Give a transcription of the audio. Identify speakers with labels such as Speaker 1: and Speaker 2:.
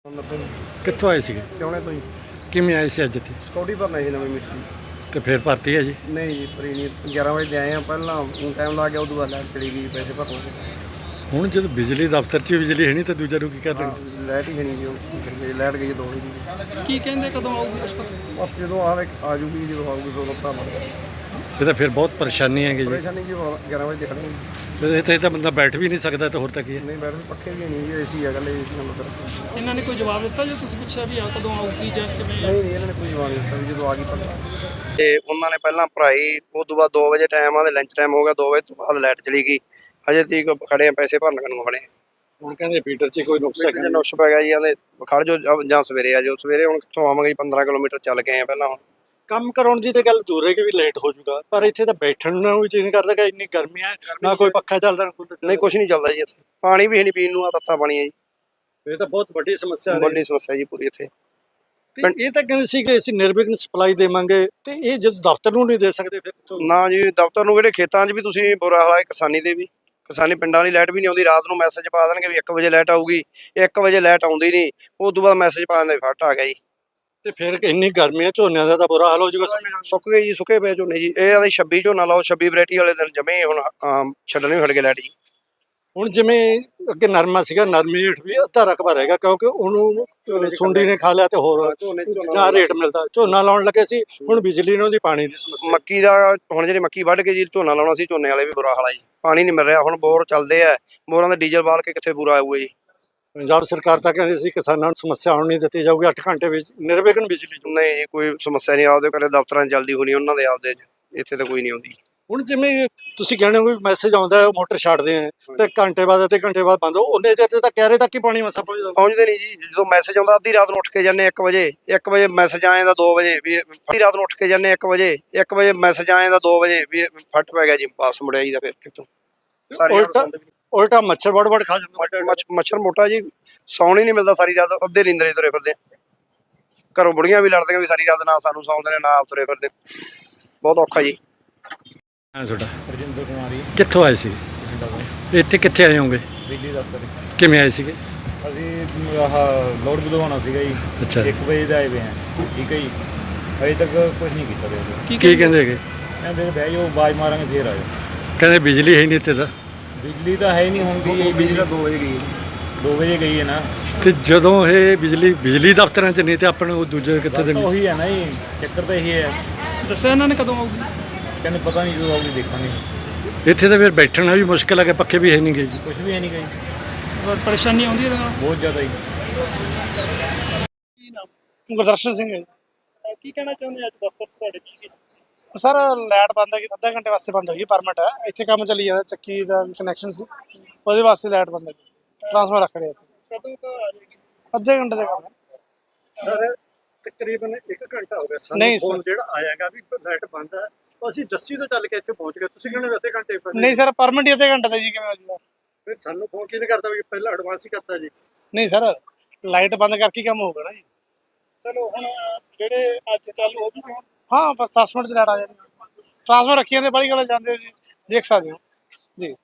Speaker 1: ਕਿੱਥੋਂ ਆਏ ਸੀਗੇ?
Speaker 2: ਚਾਹੁੰਦੇ ਤੁਸੀਂ
Speaker 1: ਕਿਵੇਂ ਆਏ ਸੀ ਅੱਜ ਇੱਥੇ?
Speaker 2: ਸਿਕਿਉਰਿਟੀ ਭਰਨਾ ਸੀ ਨਵੀਂ ਮਿੱਟੀ।
Speaker 1: ਤੇ ਫਿਰ ਭਰਤੀ ਹੈ ਜੀ?
Speaker 2: ਨਹੀਂ ਜੀ ਭਰੀ ਨਹੀਂ, 11 ਵਜੇ ਦੇ ਆਏ ਆ। ਪਹਿਲਾਂ ਟਾਈਮ ਲੱਗ ਗਿਆ, ਉਦੋਂ ਬਾਅਦ ਲਾਈਟ ਚਲੀ ਗਈ, ਪੈਸੇ ਭਰਨ ਲੱਗੇ।
Speaker 1: ਹੁਣ ਜਦੋਂ ਬਿਜਲੀ ਦਫ਼ਤਰ 'ਚ ਬਿਜਲੀ ਹੈ ਨਹੀਂ ਤਾਂ ਦੂਜਾ ਨੂੰ ਕੀ ਕਰ ਰਹੇ?
Speaker 2: ਲਾਈਟ ਹੀ ਨਹੀਂ ਜੀ, ਲਾਈਟ ਗਈ 2 ਵਜੇ।
Speaker 3: ਕੀ ਕਹਿੰਦੇ ਕਦੋਂ ਆਊਗੀ ਕੁਛ ਪਤਾ?
Speaker 2: ਬਸ ਜਦੋਂ ਆ ਜੂਗੀ, ਜਦੋਂ ਆਊਗੀ ਉਦੋਂ ਭਰਾ ਲਵਾਂਗੇ।
Speaker 1: ਇਹ ਤਾਂ ਫਿਰ ਬਹੁਤ ਪਰੇਸ਼ਾਨੀ ਹੈਗੀ ਜੀ।
Speaker 2: ਪਰੇਸ਼ਾਨੀ ਕੀ, 11 ਵਜੇ ਦੇਖਣਾ
Speaker 1: ਇੱਥੇ ਤਾਂ ਬੰਦਾ ਬੈਠ ਵੀ ਨਹੀਂ ਸਕਦਾ, ਤਾਂ ਹੋਰ ਤਾਂ ਕੀ ਹੈ?
Speaker 2: ਨਹੀਂ ਬੈਠ ਪੱਖੇ ਵੀ ਨਹੀਂ ਜੀ, ਏਸੀ ਹੈਗਾ, ਏਸੀ ਨਾਲ ਮਤਲਬ।
Speaker 3: ਇਹਨਾਂ ਨੇ ਕੋਈ ਜਵਾਬ ਦਿੱਤਾ ਜੇ ਤੁਸੀਂ ਪੁੱਛਿਆ ਵੀ ਆ ਕਦੋਂ ਆਊਗੀ ਜਾਂ ਕਿਵੇਂ?
Speaker 2: ਨਹੀਂ ਇਹਨਾਂ ਨੇ ਕੋਈ ਜਵਾਬ ਨਹੀਂ ਦਿੱਤਾ ਵੀ ਜਦੋਂ ਆ ਗਈ ਭਰਨਾ।
Speaker 4: ਤੇ ਉਹਨਾਂ ਨੇ ਪਹਿਲਾਂ ਭਰਾਈ, ਉਸ ਤੋਂ ਬਾਅਦ 2 ਵਜੇ ਟਾਈਮ ਆ ਤੇ ਲੰਚ ਟਾਈਮ ਹੋ ਗਿਆ, 2 ਵਜੇ ਤੋਂ ਬਾਅਦ ਲਾਈਟ ਚਲੀ ਗਈ। ਹਜੇ ਤੀਕ ਖੜੇ ਆ, ਪੈਸੇ ਭਰਨ ਨੂੰ ਖੜੇ ਆ।
Speaker 1: ਹੁਣ ਕਹਿੰਦੇ ਫੀਡਰ 'ਚ ਕੋਈ ਨੁਕਸ
Speaker 4: ਜੇ ਨੁਕਸ ਪੈ ਗਿਆ ਜੀ, ਆਂਦੇ ਖੜ ਜੋ ਜਾਂ ਸਵੇਰੇ ਆ ਜਾਓ। ਸਵੇਰੇ ਹੁਣ ਕਿੱਥੋਂ ਆਵਾਂਗੇ ਜੀ, 15 ਕਿਲੋਮੀਟਰ ਚੱਲ ਕੇ ਆਏ ਆ ਪਹਿਲਾਂ। ਹੁਣ
Speaker 1: ਕੰਮ ਕਰਾਉਣ ਦੀ ਤਾਂ ਗੱਲ ਦੂਰ ਹੈ ਕਿ ਵੀ ਲੇਟ ਹੋ ਜਾਊਗਾ, ਪਰ ਇੱਥੇ ਤਾਂ ਬੈਠਣ ਨੂੰ ਵੀ ਜੀ ਨਹੀਂ ਕਰਦਾ ਕਿ ਇੰਨੀ ਗਰਮੀ ਹੈ, ਨਾ ਕੋਈ ਪੱਖਾ ਚੱਲਦਾ ਨਾ ਕੋਈ।
Speaker 4: ਨਹੀਂ ਕੁਛ ਨਹੀਂ ਚੱਲਦਾ ਜੀ ਇੱਥੇ, ਪਾਣੀ ਵੀ ਹੈ ਨਹੀਂ ਪੀਣ ਨੂੰ, ਆ ਤੱਤਾ ਪਾਣੀ ਹੈ ਜੀ।
Speaker 1: ਇਹ ਤਾਂ ਬਹੁਤ ਵੱਡੀ ਸਮੱਸਿਆ ਹੈ।
Speaker 4: ਵੱਡੀ ਸਮੱਸਿਆ ਜੀ ਪੂਰੀ ਇੱਥੇ।
Speaker 1: ਤੇ ਇਹ ਤਾਂ ਕਹਿੰਦੇ ਸੀ ਕਿ ਅਸੀਂ ਨਿਰਵਿਘਨ ਸਪਲਾਈ ਦੇਵਾਂਗੇ, ਤੇ ਇਹ ਜਦੋਂ ਦਫ਼ਤਰ ਨੂੰ ਨਹੀਂ ਦੇ ਸਕਦੇ ਫਿਰ ਕਿੱਥੋਂ?
Speaker 4: ਨਾ ਜੀ, ਦਫ਼ਤਰ ਨੂੰ ਕਿਹੜੇ, ਖੇਤਾਂ 'ਚ ਵੀ ਤੁਸੀਂ ਬੁਰਾ ਹਾਲ ਹੈ। ਕਿਸਾਨੀ ਦੇ ਵੀ, ਕਿਸਾਨੀ ਪਿੰਡਾਂ ਵਾਲੀ ਲਾਈਟ ਵੀ ਨਹੀਂ ਆਉਂਦੀ। ਰਾਤ ਨੂੰ ਮੈਸੇਜ ਪਾ ਦੇਣਗੇ ਵੀ 1 ਵਜੇ ਲਾਈਟ ਆਊਗੀ, 1 ਵਜੇ ਲਾਈਟ ਆਉਂਦੀ ਨਹੀਂ। ਉਸ ਤੋਂ ਬਾਅਦ ਮੈਸੇਜ ਪਾ ਦਿੰਦੇ ਫਟ ਆ ਗਿਆ ਜੀ।
Speaker 1: ਤੇ ਫਿਰ ਇੰਨੀ ਗਰਮੀ ਹੈ, ਝੋਨਿਆਂ ਦਾ ਤਾਂ ਬੁਰਾ ਹਾਲ ਹੋ ਜਾਊਗਾ।
Speaker 4: ਸੁੱਕ ਗਏ ਜੀ, ਸੁੱਕੇ ਪਏ ਝੋਨੇ ਜੀ। ਇਹ ਆਦੇ 26 ਝੋਨਾ ਲਾਓ, 26 ਵੈਰਾਈਟੀ ਵਾਲੇ ਦਿਨ ਜਮੇ ਹੁਣ ਛੱਡਣੇ ਹਟ ਗਏ ਲਾਈਟ ਜੀ।
Speaker 1: ਹੁਣ ਜਿਵੇਂ ਅੱਗੇ ਨਰਮਾ ਸੀਗਾ, ਨਰਮੇ ਹੇਠ ਵੀ ਅੱਧਾ ਰਕਬਾ ਰਹੇਗਾ ਕਿਉਂਕਿ ਉਹਨੂੰ ਸੁੰਡੀ ਨੇ ਖਾ ਲਿਆ ਤੇ ਹੋਰ ਨਾ ਰੇਟ ਮਿਲਦਾ। ਝੋਨਾ ਲਾਉਣ ਲੱਗੇ ਸੀ, ਹੁਣ ਬਿਜਲੀ ਨੂੰ ਦੀ ਪਾਣੀ ਦੀ ਸਮੱਸਿਆ।
Speaker 4: ਮੱਕੀ ਦਾ ਹੁਣ ਜਿਹੜੀ ਮੱਕੀ ਵੱਢ ਕੇ ਜੀ ਝੋਨਾ ਲਾਉਣਾ ਸੀ, ਝੋਨੇ ਵਾਲੇ ਵੀ ਬੁਰਾ ਹਾਲ ਆ ਜੀ। ਪਾਣੀ ਨਹੀਂ ਮਿਲ ਰਿਹਾ। ਹੁਣ ਬੋਰ ਚੱਲਦੇ ਆ, ਬੋਰਾਂ ਦਾ ਡੀਜ਼ਲ ਬਾਲ ਕੇ ਕਿੱਥੇ ਪੂਰਾ ਆਊਗਾ ਜੀ।
Speaker 1: ਪੰਜਾਬ ਸਰਕਾਰ ਤਾਂ ਕਹਿੰਦੀ ਸੀ ਕਿਸਾਨਾਂ ਨੂੰ ਸਮੱਸਿਆ ਆਉਣ ਨਹੀਂ ਦਿੱਤੀ ਜਾਊਗੀ, 8 ਘੰਟੇ ਵਿੱਚ ਨਿਰਵਿਘਨ ਬਿਜਲੀ।
Speaker 4: ਨਹੀਂ ਜੀ, ਕੋਈ ਸਮੱਸਿਆ ਨਹੀਂ। ਆਪਦੇ ਘਰੇ ਦਫ਼ਤਰਾਂ 'ਚ ਜਲਦੀ ਹੋਣੀ ਉਹਨਾਂ ਦੇ, ਆਪਦੇ ਇੱਥੇ ਤਾਂ ਕੋਈ ਨਹੀਂ ਆਉਂਦੀ।
Speaker 1: ਹੁਣ ਜਿਵੇਂ ਤੁਸੀਂ ਕਹਿੰਦੇ ਹੋ ਮੈਸੇਜ ਆਉਂਦਾ ਹੈ, ਮੋਟਰ ਛੱਡਦੇ ਆ ਤੇ ਘੰਟੇ ਬਾਅਦ ਅੱਧੇ ਘੰਟੇ ਬਾਅਦ ਬੰਦ ਹੋ, ਉਹਨੇ ਚਿਰ ਤਾਂ ਕਹਿ ਰਹੇ ਤੱਕ ਹੀ ਪਾਣੀ ਮਸਾ ਪਹੁੰਚਦਾ।
Speaker 4: ਪਹੁੰਚਦੇ ਨਹੀਂ ਜੀ। ਜਦੋਂ ਮੈਸੇਜ ਆਉਂਦਾ ਅੱਧੀ ਰਾਤ ਨੂੰ ਉੱਠ ਕੇ ਜਾਂਦੇ 1 ਵਜੇ, 1 ਵਜੇ ਮੈਸੇਜ ਆ ਜਾਂਦਾ 2 ਵਜੇ ਵੀ ਅੱਧੀ ਰਾਤ ਨੂੰ ਉੱਠ ਕੇ ਜਾਂਦੇ 1 ਵਜੇ, 1 ਵਜੇ ਮੈਸੇਜ ਆ ਜਾਂਦਾ 2 ਵਜੇ ਵੀ ਫਟ ਪੈ ਗਿਆ ਜੀ, ਵਾਪਸ ਮੁੜਿਆ ਜੀ ਦਾ ਫਿਰ ਕਿਤੋਂ।
Speaker 1: ਉਲਟਾ ਮੱਛਰ ਵੜ ਖਾ ਜਾਂਦਾ।
Speaker 4: ਮੱਛਰ ਮੋਟਾ ਜੀ, ਸੌਣ ਹੀ ਨਹੀਂ ਮਿਲਦਾ ਸਾਰੀ ਰਾਤ। ਅੱਧੇ ਨੀਂਦਰੇ ਤੁਰੇ ਫਿਰਦੇ ਆ। ਘਰੋਂ ਬੁੜੀਆਂ ਵੀ ਲੜਦੀਆਂ ਵੀ ਸਾਰੀ ਰਾਤ ਨਾ ਸਾਨੂੰ ਸੌਂਦੇ ਨੇ, ਨਾ ਆਪ ਤੁਰੇ ਫਿਰਦੇ। ਬਹੁਤ ਔਖਾ ਜੀ।
Speaker 1: ਹਾਂ ਤੁਹਾਡਾ?
Speaker 2: ਰਜਿੰਦਰ ਕੁਮਾਰੀ
Speaker 1: ਕਿੱਥੋਂ ਆਏ ਸੀ? ਇੱਥੇ ਕਿੱਥੇ ਆਏ ਹੋਗੇ?
Speaker 2: ਬਿਜਲੀ ਦਫ਼ਤਰ।
Speaker 1: ਕਿਵੇਂ ਆਏ ਸੀਗੇ?
Speaker 2: ਅਸੀਂ ਆਹ ਲੋਡ ਵਧਵਾਉਣਾ ਸੀਗਾ ਜੀ।
Speaker 1: ਅੱਛਾ।
Speaker 2: 1 ਵਜੇ ਦਾ ਆਏ ਵੇ ਆ। ਠੀਕ ਹੈ ਜੀ, ਅਜੇ ਤੱਕ ਕੁਝ ਨਹੀਂ ਕੀਤਾ ਦੇ।
Speaker 1: ਕੀ ਕਹਿੰਦੇ ਹੈਗੇ?
Speaker 2: ਕਹਿੰਦੇ ਬਹਿ ਜਾਓ, ਆਵਾਜ਼ ਮਾਰਾਂਗੇ ਫੇਰ ਆ ਜਾਓ।
Speaker 1: ਕਹਿੰਦੇ ਬਿਜਲੀ ਹੈ ਨਹੀਂ ਇੱਥੇ ਤਾਂ।
Speaker 2: ਬਿਜਲੀ ਤਾਂ ਹੈ ਨਹੀਂ ਹੁੰਦੀ। ਬਿਜਲੀ ਤਾਂ 2 ਵਜੇ ਗਈ। 2 ਵਜੇ ਗਈ ਹੈ ਨਾ।
Speaker 1: ਤੇ ਜਦੋਂ ਇਹ ਬਿਜਲੀ ਦਫ਼ਤਰਾਂ 'ਚ ਨਹੀਂ ਤੇ ਆਪਣੇ ਉਹ ਦੂਜੇ ਕਿੱਥੇ ਦੇ?
Speaker 2: ਉਹੀ ਹੈ ਨਾ ਜੀ, ਚੱਕਰ ਤਾਂ ਇਹੀ ਹੈ।
Speaker 3: ਦੱਸਿਆ ਇਹਨਾਂ ਨੇ ਕਦੋਂ ਆਊਗੀ?
Speaker 2: ਕਹਿੰਦੇ ਪਤਾ ਨਹੀਂ ਜਦੋਂ ਆਊਗੀ ਦੇਖਾਂਗੇ।
Speaker 1: ਇੱਥੇ ਤਾਂ ਫਿਰ ਬੈਠਣਾ ਵੀ ਮੁਸ਼ਕਿਲ ਹੈ ਕਿ ਪੱਖੇ ਵੀ ਹੈ ਨਹੀਂ ਗਏ ਜੀ।
Speaker 2: ਕੁਝ ਵੀ ਹੈ ਨਹੀਂ ਗਈ,
Speaker 3: ਪਰੇਸ਼ਾਨੀ ਆਉਂਦੀ ਇਹਦੇ ਨਾਲ
Speaker 2: ਬਹੁਤ ਜ਼ਿਆਦਾ ਜੀ।
Speaker 3: ਕੀ ਨਾਮ?
Speaker 5: ਗੁਰਦਰਸ਼ਨ ਸਿੰਘ ਹੈ ਜੀ।
Speaker 3: ਕੀ ਕਹਿਣਾ ਚਾਹੁੰਦੇ ਅੱਜ ਦਫ਼ਤਰ ਤੁਹਾਡੇ ਕੀ?
Speaker 5: ਸਰ ਲਾਈਟ ਬੰਦ ਹੈ ਕਿ ਅੱਧੇ ਘੰਟੇ ਵਾਸਤੇ ਬੰਦ ਹੋਈ, ਪਰਮਿਟ ਹੈ ਇੱਥੇ, ਕੰਮ ਚੱਲੀ ਜਾਂਦਾ, ਚੱਕੀ ਦਾ ਕਨੈਕਸ਼ਨ ਸੀ, ਉਹਦੇ ਵਾਸਤੇ ਲਾਈਟ ਬੰਦ ਹੈ। ਟਰਾਂਸਫਰ ਰੱਖ ਰਹੇ ਇੱਥੇ।
Speaker 3: ਕਦੋਂ ਤੋਂ ਆ ਜਾਏਗੀ?
Speaker 5: ਅੱਧੇ ਘੰਟੇ ਦਾ ਕੰਮ ਹੈ
Speaker 1: ਸਰ ਤਕਰੀਬਨ 1 ਘੰਟਾ ਹੋ ਗਿਆ ਸਾਨੂੰ।
Speaker 5: ਨਹੀਂ ਸਰ।
Speaker 1: ਜਿਹੜਾ ਆਇਆਗਾ ਵੀ ਲਾਈਟ ਬੰਦ ਹੈ, ਅਸੀਂ ਜੱਸੀ ਤੋਂ ਚੱਲ ਕੇ ਇੱਥੇ ਪਹੁੰਚ ਗਏ। ਤੁਸੀਂ ਕਹਿੰਦੇ ਅੱਧੇ ਘੰਟੇ ਪਹਿਲਾਂ?
Speaker 5: ਨਹੀਂ ਸਰ, ਪਰਮਿਟ ਹੀ ਅੱਧੇ ਘੰਟੇ ਦਾ ਜੀ, ਕਿਵੇਂ ਹੋ ਜੂਗਾ?
Speaker 1: ਫਿਰ ਸਾਨੂੰ ਫੋਨ ਕਿਹਨੇ ਕਰਦਾ ਵੀ ਪਹਿਲਾਂ ਐਡਵਾਂਸ ਹੀ ਕਰਤਾ ਜੀ?
Speaker 5: ਨਹੀਂ ਸਰ, ਲਾਈਟ ਬੰਦ ਕਰਕੇ ਕੰਮ ਹੋਊਗਾ ਨਾ ਜੀ।
Speaker 3: ਚਲੋ ਹੁਣ ਜਿਹੜੇ ਅੱਜ ਚਾਲੂ ਹੋ ਜੂਗੇ।
Speaker 5: ਹਾਂ ਬਸ 10 ਮਿੰਟ 'ਚ ਲਾਈਟ ਆ ਜਾਣੀ। ਟਰਾਂਸਫਰ ਰੱਖੀਆਂ ਨੇ, ਬੜੀ ਗੱਲ ਜਾਂਦੇ ਹੋ ਜੀ, ਦੇਖ ਸਕਦੇ ਹੋ ਜੀ।